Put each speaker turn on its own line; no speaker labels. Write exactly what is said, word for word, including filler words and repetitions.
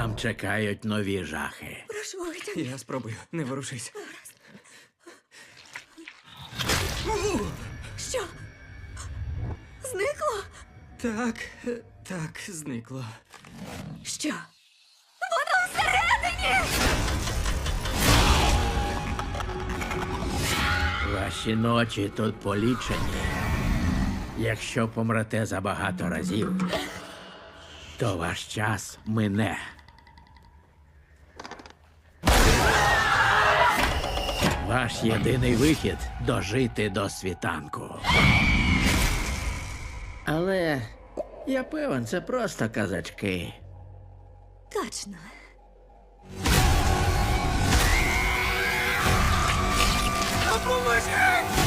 Там чекають нові жахи.
Прошу, витягни.
Я спробую, не ворушись.
Що? Зникло?
Так, е, так, зникло.
Що? Воно всередині!
Ваші ночі тут полічені. Якщо помрете забагато разів, то ваш час мине. Ваш єдиний вихід – дожити до світанку. Але я певен, це просто казачки.
Точно.
Допоможіть!